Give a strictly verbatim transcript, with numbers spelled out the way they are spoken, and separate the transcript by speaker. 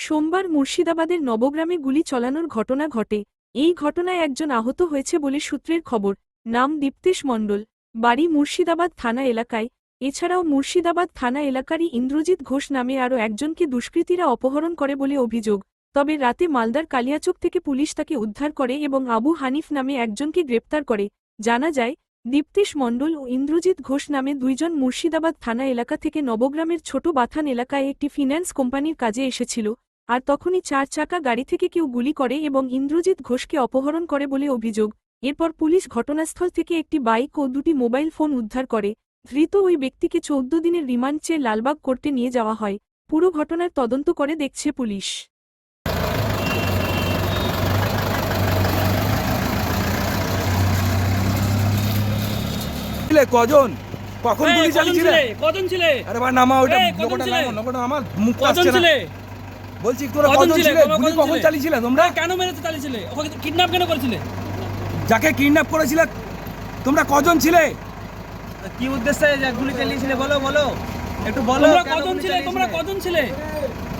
Speaker 1: সোমবার মুর্শিদাবাদের নবগ্রামে গুলি চালানোর ঘটনা ঘটে। এই ঘটনায় একজন আহত হয়েছে বলে সূত্রের খবর। নাম দীপ্তেশ মণ্ডল, বাড়ি মুর্শিদাবাদ থানা এলাকায়। এছাড়াও মুর্শিদাবাদ থানা এলাকারই ইন্দ্রজিৎ ঘোষ নামে আরও একজনকে দুষ্কৃতীরা অপহরণ করে বলে অভিযোগ। তবে রাতে মালদার কালিয়াচক থেকে পুলিশ তাকে উদ্ধার করে এবং আবু হানিফ নামে একজনকে গ্রেপ্তার করে। জানা যায়, দীপ্তেশ মণ্ডল ও ইন্দ্রজিৎ ঘোষ নামে দুইজন মুর্শিদাবাদ থানা এলাকা থেকে নবগ্রামের ছোট বাথান এলাকায় একটি ফিন্যান্স কোম্পানির কাজে এসেছিল। আর তখনই চার চাকা গাড়ি থেকে কেউ গুলি করে এবং ইন্দ্রজিৎ ঘোষকে অপহরণ করে বলে অভিযোগ। এরপর পুলিশ ঘটনাস্থল থেকে একটি বাইক ও দুটি মোবাইল ফোন উদ্ধার করে। ধৃত ওই ব্যক্তিকে চৌদ্দ দিনের রিমান্ড চেয়ে লালবাগ কোর্টে নিয়ে যাওয়া হয়। পুরো ঘটনার তদন্ত করে দেখছে পুলিশ।
Speaker 2: কজন কখন গুলি চালিয়েছিলে?
Speaker 3: কজন ছিলে?
Speaker 2: আরে ভাই নামা ওটা
Speaker 3: এই, কজন
Speaker 2: লোকটা
Speaker 3: ছিলে?
Speaker 2: নামা লোকটা আমার মুখ
Speaker 3: কজন
Speaker 2: আসছে না।
Speaker 3: ছিলে?
Speaker 2: বলছি তোরা
Speaker 3: কজন
Speaker 2: কজন
Speaker 3: ছিলে?
Speaker 2: ছিলে?
Speaker 3: কজন
Speaker 2: গুলি
Speaker 3: ছিলে?
Speaker 2: কখন চালিয়েছিলে তোমরা?
Speaker 3: কেন মেরেতে চালিয়েছিলে? ওকে কিডন্যাপ কেন করেছিলে?
Speaker 2: যাকে কিডন্যাপ করেছিলে তোমরা কজন ছিলে?
Speaker 4: কি উদ্দেশ্যে যে গুলি চালিয়েছিলে বলো বলো একটু বলো
Speaker 3: তোমরা
Speaker 4: কেন
Speaker 3: কজন
Speaker 4: গুলি
Speaker 3: ছিলে? তোমরা
Speaker 4: চালিয়েছিলে?
Speaker 3: কজন ছিলে?